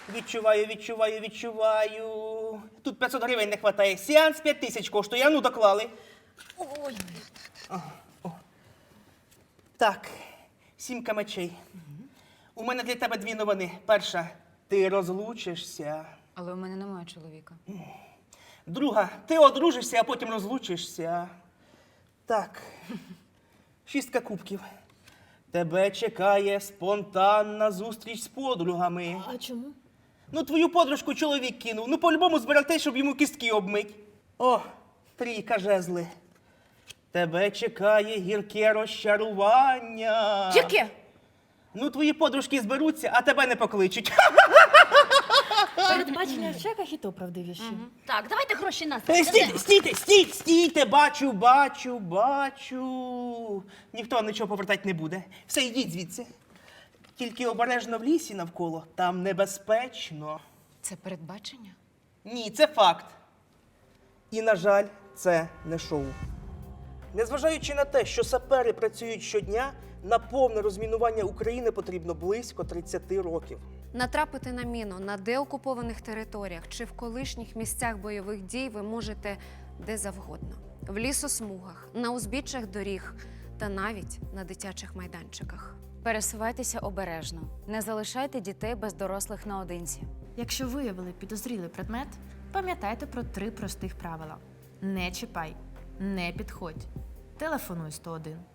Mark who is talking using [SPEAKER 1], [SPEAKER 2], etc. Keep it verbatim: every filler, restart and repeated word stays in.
[SPEAKER 1] Відчуваю, відчуваю, відчуваю. Тут п'ятсот гривень не вистачає. Сеанс п'ять тисяч коштує. А ну, доклали.
[SPEAKER 2] Ой,
[SPEAKER 1] Так, сімка мечей. У мене для тебе дві новини. Перша, ти розлучишся.
[SPEAKER 2] але у мене немає чоловіка.
[SPEAKER 1] Друга, ти одружишся, а потім розлучишся. Так, шістка кубків. Тебе чекає спонтанна зустріч з подругами.
[SPEAKER 3] А чому?
[SPEAKER 1] Ну, твою подружку чоловік кинув. Ну, по-любому збирати, щоб йому кістки обмить. О, трійка жезли. Тебе чекає гірке розчарування.
[SPEAKER 2] Яке?
[SPEAKER 1] Ну, твої подружки зберуться, а тебе не покличуть.
[SPEAKER 3] Передбачення в чеках і то правдивіші.
[SPEAKER 4] Так, давайте гроші нас.
[SPEAKER 1] Е, Стійте, стійте, стійте, стійте, бачу, бачу, бачу. Ніхто вам нічого повертати не буде. Все, йдіть звідси. Тільки обережно в лісі навколо, там небезпечно.
[SPEAKER 2] Це передбачення?
[SPEAKER 1] Ні, це факт. І, на жаль, це не шоу. Незважаючи на те, що сапери працюють щодня, на повне розмінування України потрібно близько тридцять років.
[SPEAKER 5] Натрапити на міну на деокупованих територіях чи в колишніх місцях бойових дій ви можете де завгодно. В лісосмугах, на узбіччях доріг та навіть на дитячих майданчиках.
[SPEAKER 2] Пересувайтеся обережно. Не залишайте дітей без дорослих наодинці.
[SPEAKER 3] Якщо виявили підозрілий предмет, пам'ятайте про три простих правила. Не чіпай, не підходь, телефонуй сто один.